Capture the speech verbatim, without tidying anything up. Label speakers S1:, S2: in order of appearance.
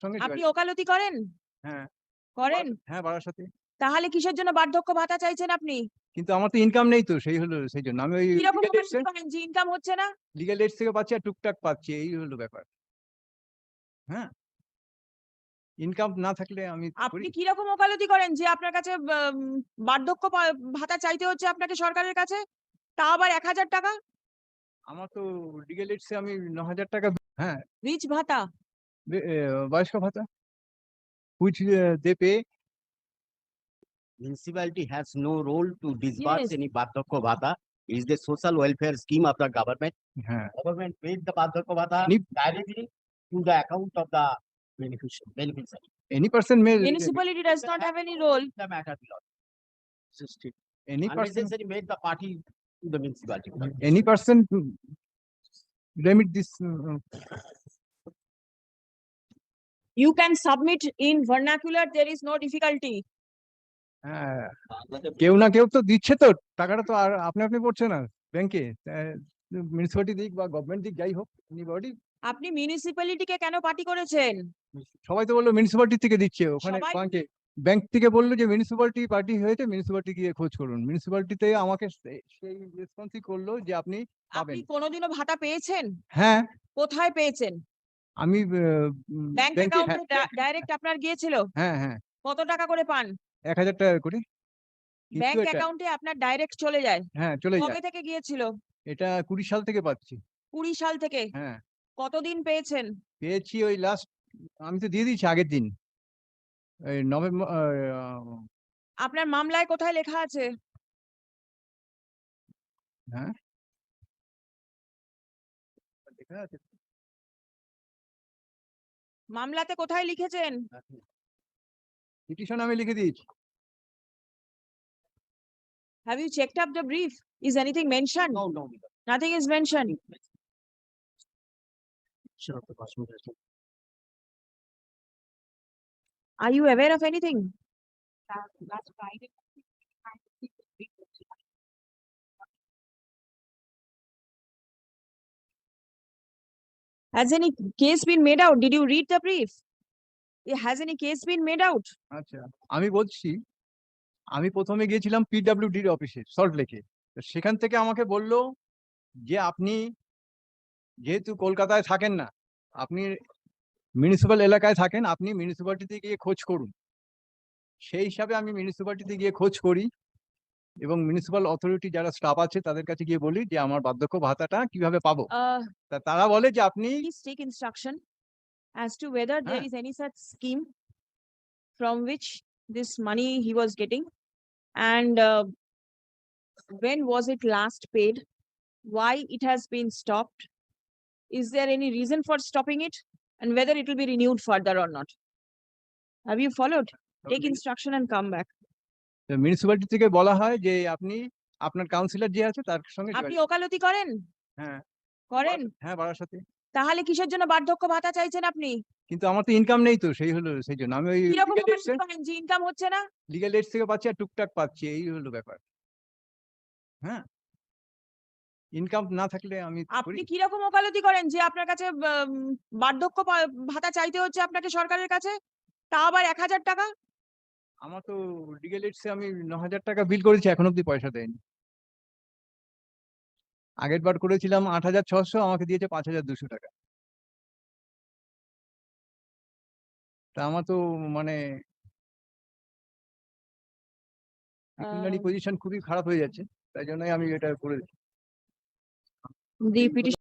S1: সঙ্গে
S2: আপনি
S1: যোগাযোগ।
S2: ওকালতি করেন?
S1: হ্যাঁ।
S2: করেন?
S1: হ্যাঁ, বারাসাতে।
S2: তাহলে কিসের জন্য বার্ধক্য ভাতা চাইছেন আপনি?
S1: কিন্তু আমার তো ইনকাম নেই তো সেই হলো সেইজন্য। আমি ওই
S2: কিরকম
S1: লিগ্যাল এইডস
S2: ওকালতি করেন যে ইনকাম হচ্ছে না?
S1: লিগ্যাল এইডস থেকে পাচ্ছি আর টুকটাক পাচ্ছি এই হলো ব্যাপার। হ্যাঁ? ইনকাম না থাকলে আমি করি।
S2: আপনি কিরকম ওকালতি করেন যে আপনার কাছে বাম বার্ধক্য পা ভাতা চাইতে হচ্ছে আপনাকে সরকারের কাছে? তাও আবার এক হাজার টাকা?
S1: আমার তো লিগ্যাল এইডস এ আমি নয় হাজার টাকা হ্যাঁ,
S2: রিচ ভাতা?
S1: বে এ বয়স্ক ভাতা। which uh, they pay.
S3: Municipality has no role to disburse
S2: Yes.
S3: any Bardhakya Bhata. It is the social welfare scheme of the government.
S1: হ্যাঁ।
S3: Government paid the Bardhakya Bhata
S1: Any-
S3: directly to the account of the beneficiary. beneficiary.
S1: Any person may
S2: Municipality does not have any role.
S3: The matter belongs. System.
S1: any person
S3: Unnecessary made the party to the municipality.
S1: any person remit this uh,
S2: You can submit in vernacular, there is no difficulty.
S1: হ্যাঁ, কেউ না কেউ তো দিচ্ছে তো টাকাটা তো আর আপনি আপনি পড়ছে না ব্যাংকে মিউনিসিপালিটি দিক বা গভর্নমেন্ট দিক যাই হোক এনিবডি।
S2: আপনি মিউনিসিপ্যালিটিকে কেন পার্টি করেছেন?
S1: সবাই তো বললো মিউনিসিপালিটি থেকে দিচ্ছে ওখানে
S2: সবাই-
S1: ব্যাংকে ব্যাংক থেকে বললো যে মিউনিসিপালিটি পার্টি হয়েছে মিউনিসিপালিটি গিয়ে খোঁজ করুন। মিউনিসিপালিটিতে আমাকে সে- সেই রেসপন্সই করলো যে আপনি পাবেন।
S2: আপনি কোনোদিনও ভাতা পেয়েছেন?
S1: হ্যাঁ,
S2: কোথায় পেয়েছেন?
S1: আমি
S2: ব্যাংক
S1: ব্যাংকে
S2: অ্যাকাউন্টে ডাইরেক্ট আপনার গিয়েছিল?
S1: হ্যাঁ হ্যাঁ
S2: কত টাকা করে পান?
S1: এক হাজার টাকা করে কিন্তু
S2: ব্যাংক
S1: এটা
S2: অ্যাকাউন্টে আপনার ডাইরেক্ট চলে যায়।
S1: হ্যাঁ চলে
S2: কবে
S1: যায়।
S2: থেকে গিয়েছিল?
S1: এটা কুড়ি সাল থেকে পাচ্ছি।
S2: কুড়ি সাল থেকে?
S1: হ্যাঁ,
S2: কতদিন পেয়েছেন?
S1: পেয়েছি ওই লাস্ট আমি তো দিয়ে দিয়েছি আগের দিন এই নভেম্বর
S2: আপনার মামলায় কোথায় লেখা আছে?
S1: হ্যাঁ দেখা আছে
S2: মামলাতে কোথায় লিখেছেন?
S1: পিটিশন আমি লিখে দিয়েছি।
S2: Have you checked up the brief? Is anything mentioned?
S3: No, no.
S2: Nothing is mentioned.
S3: Sure, the person has to-
S2: Are you aware of anything?
S4: Last Friday.
S2: Has any case been made out? Did you read the brief? Eh, Has any case been made out?
S1: আচ্ছা আমি বলছি আমি প্রথমে গিয়েছিলাম পিডব্লিউডির অফিসে salt লেকে। সেখান থেকে আমাকে বলল যে আপনি যেহেতু কলকাতায় থাকেন না আপনি মিউনিসিপাল এলাকায় থাকেন আপনি মিউনিসিপালিটিতে গিয়ে খোঁজ করুন। সেই হিসাবে আমি মিউনিসিপালিটিতে গিয়ে খোঁজ করি এবং মিউনিসিপাল অথরিটি যারা স্টাফ আছে তাদের কাছে গিয়ে বলি যে আমার বার্ধক্য ভাতাটা কিভাবে পাবো।
S2: Uh,
S1: তা তারা বলে যে আপনি
S2: please take instruction as to whether there
S1: Huh.
S2: is any such scheme from which this money he was getting, and uh, when was it last paid? Why it has been stopped? Is there any reason for stopping it? And whether it will be renewed further or not? Have you followed? Take instruction and come back.
S1: Municipality থেকে বলা হয় যে আপনি আপনার councillor যে আছে তার সঙ্গে
S2: আপনি
S1: যোগাযোগ-
S2: ওকালতি করেন?
S1: হ্যাঁ
S2: করেন?
S1: হ্যাঁ বারাসাতে।
S2: তাহলে কিসের জন্য বার্ধক্য ভাতা চাইছেন আপনি?
S1: কিন্তু আমার তো ইনকাম নেই তো সেই হলো সেই জন্য আমি ওই
S2: কিরকম
S1: লিগ্যাল
S2: ওকালতি করেন যে ইনকাম হচ্ছে না?
S1: লিগ্যাল এইডস থেকে পাচ্ছি আর টুকটাক পাচ্ছি এই হলো ব্যাপার। হ্যাঁ, ইনকাম না থাকলে আমি করি।
S2: আপনি কিরকম ওকালতি করেন যে আপনার কাছে বাম বার্ধক্য পা- ভাতা চাইতে হচ্ছে আপনাকে সরকারের কাছে? তাও আবার এক হাজার টাকা?
S1: আমার তো লিগ্যাল এইডস এ আমি নয় হাজার টাকা বিল করেছি এখন অব্দি পয়সা দেয়নি। আগের বার করেছিলাম আট হাজার ছশো আমাকে দিয়েছে পাঁচ হাজার দুশো টাকা। তা আমার তো মানে পেকুনিয়ারি
S2: আহ,
S1: পজিশন খুবই খারাপ হয়ে যাচ্ছে তাই জন্যই আমি এটা করে
S2: The petition